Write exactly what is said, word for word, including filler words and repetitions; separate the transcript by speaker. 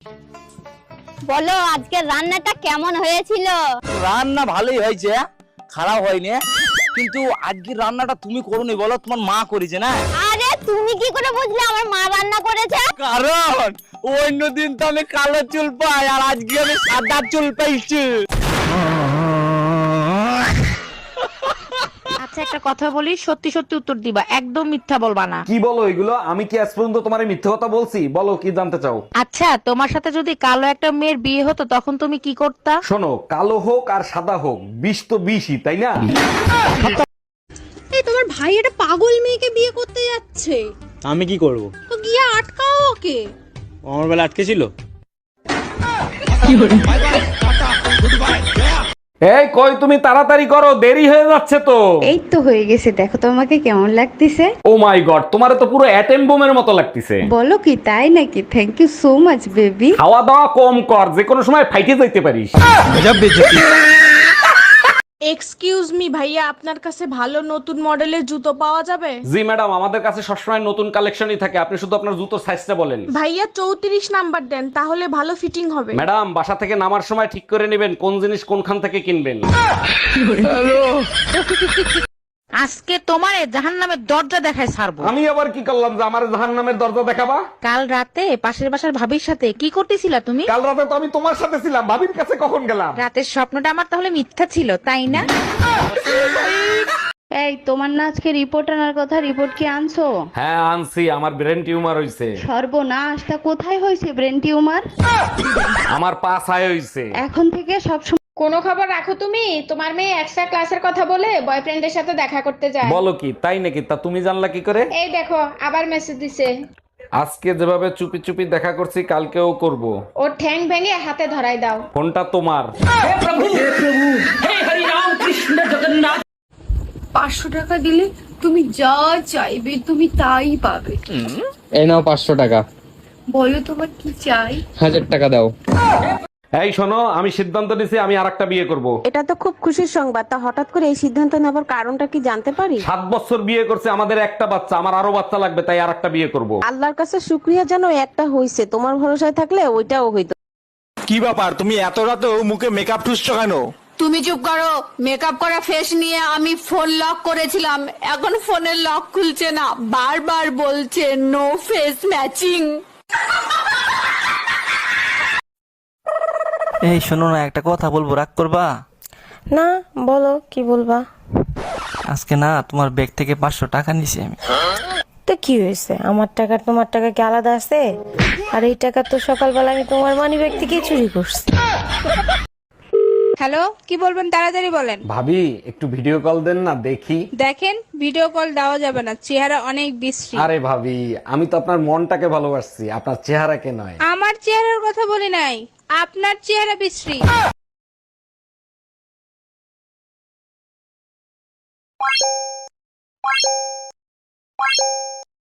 Speaker 1: বলো আজকে রান্নাটা কেমন হয়েছিল?
Speaker 2: রান্না ভালোই হয়েছে, খারাপ হয়নি, কিন্তু আজকে রান্নাটা তুমি করোনি, বলো তোমার মা করেছে না।
Speaker 1: আরে তুমি কি করে বুঝলে আমার মা রান্না করেছে?
Speaker 2: কারণ অন্য দিন তো আমি কালো চুল পাই আর আজকে আমি সাদা চুল পাইছি।
Speaker 3: আচ্ছা একটা কথা বলি, সত্যি সত্যি উত্তর দিবা, একদম মিথ্যা বলবা না।
Speaker 4: কি বলো এগুলো? আমি কি আজ পর্যন্ত তোমার মিথ্যে কথা বলছি? বলো কি জানতে চাও।
Speaker 3: আচ্ছা তোমার সাথে যদি কালো একটা মেয়ের বিয়ে হতো তখন তুমি কি করতা?
Speaker 4: শোনো, কালো হোক আর সাদা হোক, বিষ তো বিষই, তাই না?
Speaker 5: এই তোমার ভাই একটা পাগল মেয়েকে বিয়ে করতে যাচ্ছে,
Speaker 6: আমি কি করব?
Speaker 5: তো গিয়ে আটকাও ওকে।
Speaker 6: ও আমার বেলা আটকে ছিল।
Speaker 4: এই কই তুমি, তাড়াতাড়ি করো, দেরি হয়ে যাচ্ছে তো।
Speaker 7: এই তো হয়ে গেছে, দেখো তো আমাকে কেমন লাগতেছে।
Speaker 4: ও মাই গড, তোমারে তো পুরো অ্যাটম বোমের মতো লাগতেছে।
Speaker 7: বলো কি, তাই নাকি? Thank you so much baby.
Speaker 4: খাওয়া দাওয়া কম কর, যে কোনো সময় ফাইটে যাইতে পারিস।
Speaker 5: এক্সকিউজ মি ভাইয়া, আপনার কাছে ভালো নতুন মডেলের জুতো পাওয়া যাবে?
Speaker 4: জি ম্যাডাম, আমাদের কাছে সবসময় নতুন কালেকশনই থাকে, আপনি শুধু আপনার জুতোর সাইজটা বলেন।
Speaker 5: ভাইয়া চৌত্রিশ নাম্বার দেন, তাহলে ভালো ফিটিং হবে।
Speaker 4: ম্যাডাম, বাসা থেকে নামার সময় ঠিক করে নেবেন কোন জিনিস কোনখান থেকে কিনবেন।
Speaker 3: আজকে তোমার জাহান্নামের দরজা দেখায় ছাড়বো।
Speaker 4: আমি আবার কি করলাম যে আমার জাহান্নামের দরজা দেখাবা?
Speaker 3: কাল রাতে পাশের বাসার ভাবির সাথে কি করতেছিলা তুমি?
Speaker 4: কাল রাতে তো আমি তোমার সাথে ছিলাম, ভাবির কাছে কখন গেলাম?
Speaker 3: রাতের স্বপ্নটা আমার তাহলে মিথ্যা ছিল, তাই না?
Speaker 7: এই তোমার না আজকে রিপোর্ট আনার কথা, রিপোর্ট কি আনছো?
Speaker 4: হ্যাঁ আনছি, আমার ব্রেন টিউমার হইছে।
Speaker 7: সর্বনাশ, তা কোথায় হয়েছে ব্রেন টিউমার?
Speaker 4: আমার পা ছায় হইছে।
Speaker 7: এখন থেকে সব সময়
Speaker 5: কোনো খবর রাখো তুমি? তোমার মেয়ে এক্সট্রা ক্লাসের কথা বলে বয়ফ্রেন্ডের সাথে দেখা করতে যায়।
Speaker 4: বলো কি, তাই নাকি? তা তুমি জানলা কি করে?
Speaker 5: এই দেখো আবার মেসেজ দিছে।
Speaker 4: আজকে যেভাবে চুপি চুপি দেখা করছি, কালকেও করব।
Speaker 5: ওর ঠ্যাং ভেঙে হাতে ধরাই দাও।
Speaker 4: ফোনটা তোমার।
Speaker 8: পাঁচশো টাকা দিলে তুমি যা চাইবে তুমি তাই পাবে।
Speaker 6: এই নাও পাঁচশো টাকা।
Speaker 8: বলো তোমার কি চাই?
Speaker 6: হাজার টাকা দাও।
Speaker 4: এই শোনো, আমি সিদ্ধান্ত নিছি আমি আরেকটা বিয়ে করব।
Speaker 9: এটা তো খুব খুশির সংবাদ, তা হঠাৎ করে এই সিদ্ধান্ত নেবার কারণটা কি জানতে পারি?
Speaker 4: সাত বছর বিয়ে করছে, আমাদের একটা বাচ্চা, আমার আরো বাচ্চা লাগবে, তাই আরেকটা বিয়ে করব।
Speaker 9: আল্লাহর কাছে শুক্রিয়া জানো একটা হইছে, তোমার ভরসায় থাকলে ওইটাও হইতো।
Speaker 2: কি ব্যাপার, তুমি এত রাতেও মুখে মেকআপ ঠুসছো কেন?
Speaker 8: তুমি চুপ করো। মেকআপ করা ফেস নিয়ে আমি ফোন লক করেছিলাম, এখন ফোনের লক খুলছে না, বারবার বলছে নো ফেস ম্যাচিং।
Speaker 10: এই শোনো না, একটা কথা বলবো, রাগ করবা?
Speaker 9: না বলো, কি বলবা?
Speaker 10: আজকে না তোমার ব্যাগ থেকে পাঁচশো টাকা নিছি আমি।
Speaker 9: তো কি হয়েছে, আমার টাকা তোমার টাকা কি আলাদা আছে? আর এই টাকা তো সকালবেলা আমি তোমার মানি ব্যাগ থেকে চুরি করছি।
Speaker 5: হ্যালো, কি বলবেন তাড়াতাড়ি বলেন।
Speaker 4: ভাবি একটু ভিডিও কল দেন না, দেখি।
Speaker 5: দেখেন ভিডিও কল দেওয়া যাবে না, চেহারা অনেক বিশ্রী।
Speaker 4: আরে ভাবি, আমি তো আপনার মনটাকে ভালোবাসছি, আপনার চেহারাকে নয়।
Speaker 5: আমার চেহারার কথা বলি নাই, আপনার চেহারা বিশ্রী।
Speaker 1: Bye.